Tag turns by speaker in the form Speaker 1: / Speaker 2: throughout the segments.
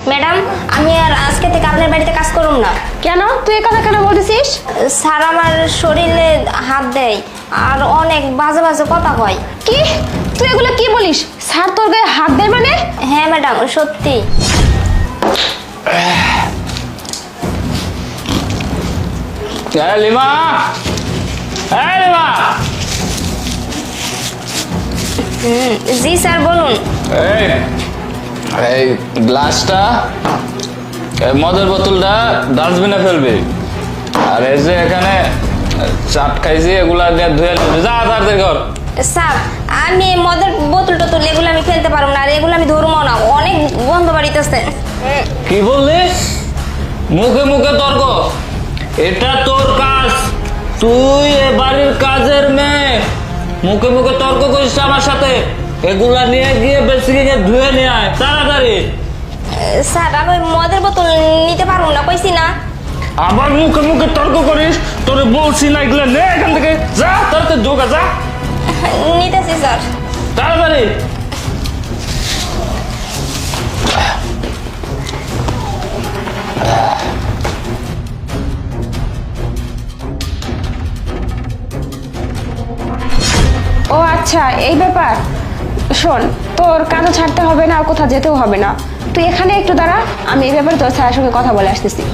Speaker 1: Madam, আমি আর আজকে থেকে আপনার বাড়িতে কাজ করুম না।
Speaker 2: কেন তুই এই কথা কেন বলতেছিস?
Speaker 1: স্যার আমার শরীরে হাত দেয় আর অনেক বাজে বাজে কথা কয়।
Speaker 2: কি তুই এগুলো কি বলিস? স্যার তোর গায়ে হাত দেয় মানে?
Speaker 1: হ্যাঁ ম্যাডাম, সত্যি।
Speaker 3: Lima, lima.
Speaker 1: জি স্যার, বলুন।
Speaker 3: এই গ্লাসটা, মদের বোতলটা ডাস্টবিনে ফেলবি। আর এই যে এখানে চাট খাইছি, এগুলা দিয়ে ধুয়ে নিবি। যা তাড়াতাড়ি কর।
Speaker 1: স্যার, আমি মদের বোতল টোতল এগুলো আমি ফেলতে পারবো না, আর এগুলো আমি ধরবো না, অনেক গন্ধ বাড়িতেছে।
Speaker 3: কি বললিস? মুখে মুখে তর্ক? এটা তোর কাজ, তুই এ বাড়ির কাজের মেয়ে, মুখে মুখে তর্ক করিস আমার সাথে? এগুলা নিয়ে গিয়ে বেসিকে ধুয়ে নিয়ে আয় তাড়াতাড়ি।
Speaker 1: স্যার, আমি মদের বোতল নিতে পারবো না, কইছি না।
Speaker 3: আবার মুখে মুখে তর্ক করিস? তোরে বলছি না এগুলা নে এখান থেকে। যা তাড়াতাড়ি ঢোকা, যা
Speaker 1: নিতেছি স্যার।
Speaker 3: তাড়াতাড়ি।
Speaker 2: ও আচ্ছা, এই ব্যাপার। শোন, তোর কাজও ছাড়তে হবে না আর কোথাও যেতেও হবে না। তুই এখানে একটু দাঁড়া, আমি এই ব্যাপারে তোর স্যারের সঙ্গে কথা বলে আসতেছি।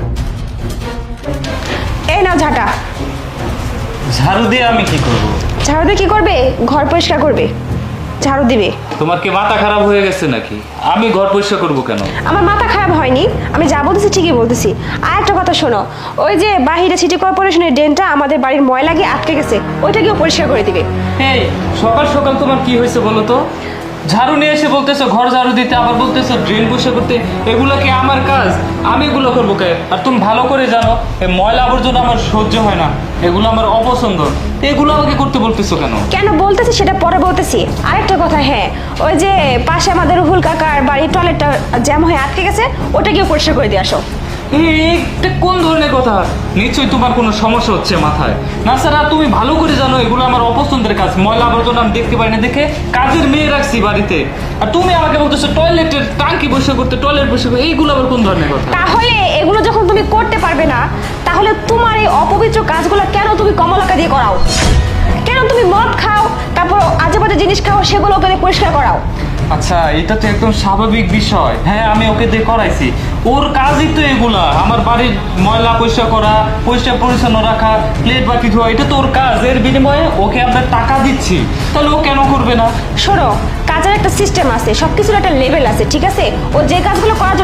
Speaker 2: এই না ঝাঁটা।
Speaker 3: ঝাড়ু দিয়ে আমি কি করব?
Speaker 2: ঝাড়ু দিয়ে কি করবে? ঘর পরিষ্কার করবে, ঝাড়ু দিবে।
Speaker 3: তোমার কি মাথা খারাপ হয়ে গেছে নাকি? আমি ঘর পরিষ্কার করবো কেন?
Speaker 2: আমার মাথা খারাপ হয়নি, আমি যা বলতেছি ঠিকই বলতেছি। আর একটা কথা শোনো, ওই যে বাহিরে সিটি কর্পোরেশনের ড্রেনটা আমাদের বাড়ির ময়লা গিয়ে আটকে গেছে, ওইটাকেও পরিষ্কার করে দিবে।
Speaker 3: এই সকাল সকাল তোমার কি হয়েছে বলো তো? ঝাড়ু নিয়ে এসে বলতেছো ঘর ঝাড়ু দিতে, আবার বলতেছো ড্রেন পরিষ্কার করতে। এগুলো কি আমার কাজ? আমি এগুলো করবো কে? আর তুমি ভালো করে জানো এই ময়লা আবর্জনা আমার সহ্য হয় না, এগুলো আমার অপছন্দ। এগুলো আমাকে করতে বলতেছো কেন?
Speaker 2: কেন বলতেছি সেটা পরে বলতেছি। আরেকটা কথা, হ্যাঁ, ওই যে পাশে আমাদের রুহুল কাকার বাড়ির টয়লেটটা জ্যাম হয়ে আটকে গেছে, ওটাকেও পরিষ্কার করে দিয়ে আসো।
Speaker 3: এটা কোন ধরনের কথা? নিশ্চয়ই তোমার কোনো সমস্যা হচ্ছে মাথায়। না স্যার, তুমি ভালো করে জানো এগুলো আমার অপছন্দের কাজ। ময়লা আবর্জনা আমি দেখতে পাই না দেখে কাজের মেয়ে রাখছি বাড়িতে, আর তুমি আমাকে বলতেছো টয়লেটের টাঙ্কি পরিষ্কার করতে, টয়লেট পরিষ্কার করতে। এইগুলো আবার কোন ধরনের কথা?
Speaker 2: তাহলে এগুলো যখন তুমি করতে পারবে না, তাহলে তোমার এই অপবিত্র কাজগুলো কেন তুমি কমলাকে দিয়ে করাও? কেন তুমি মদ খাও, তারপর আজে বাজে জিনিস খাও, সেগুলো ওকে দিয়ে পরিষ্কার করাও?
Speaker 3: আচ্ছা, এটা তো একদম স্বাভাবিক বিষয়। হ্যাঁ, আমি ওকে দিয়ে করাইছি, ওর কাজই তো এগুলা। আমার বাড়ির ময়লা পরিষ্কার করা, পরিষ্কার পরিচ্ছন্ন রাখা, প্লেট বাকি ধোয়া, এটা তো ওর কাজ। এর বিনিময়ে ওকে আমরা টাকা দিচ্ছি, তাহলে ও কেন করবে না?
Speaker 2: শোনো, কাজের একটা সিস্টেম আছে, সবকিছুর একটা লেভেল আছে, ঠিক আছে? ও যে কাজগুলো করার জন্য